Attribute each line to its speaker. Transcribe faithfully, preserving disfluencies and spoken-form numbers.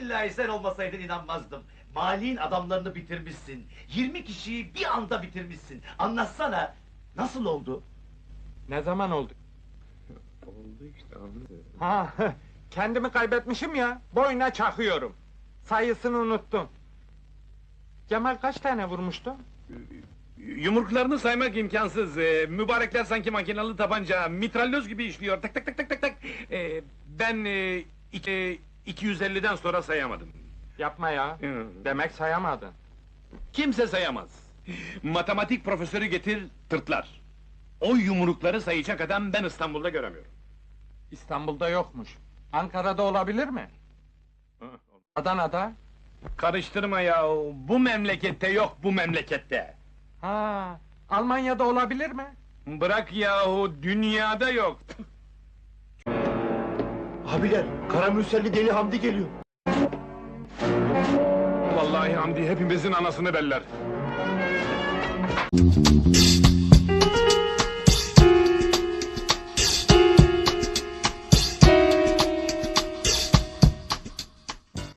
Speaker 1: billahi sen olmasaydın inanmazdım. Mali'nin adamlarını bitirmişsin. Yirmi kişiyi bir anda bitirmişsin. Anlatsana, nasıl oldu?
Speaker 2: Ne zaman oldu?
Speaker 3: Oldu işte, anladım.
Speaker 2: Ha, kendimi kaybetmişim ya, boyuna çakıyorum. Sayısını unuttum. Cemal kaç tane vurmuştu?
Speaker 3: Yumruklarını saymak imkansız. Ee, mübarekler sanki makinalı tabanca, mitralyoz gibi işliyor. Tak tak tak tak tak tak. Ee, ben e, iki, iki yüz elliden sonra sayamadım.
Speaker 2: Yapma ya,
Speaker 3: Hı.
Speaker 2: demek sayamadın.
Speaker 3: Kimse sayamaz. Matematik profesörü getir, tırtlar. O yumrukları sayacak adam ben İstanbul'da göremiyorum.
Speaker 2: İstanbul'da yokmuş. Ankara'da olabilir mi? Adana'da?
Speaker 3: Karıştırma ya, bu memlekette yok bu memlekette.
Speaker 2: Ha, Almanya'da olabilir mi?
Speaker 3: Bırak yahu, dünyada yok.
Speaker 4: Abiler, Karamürselli Deli Hamdi geliyor.
Speaker 3: Vallahi Hamdi hepimizin anasını beller.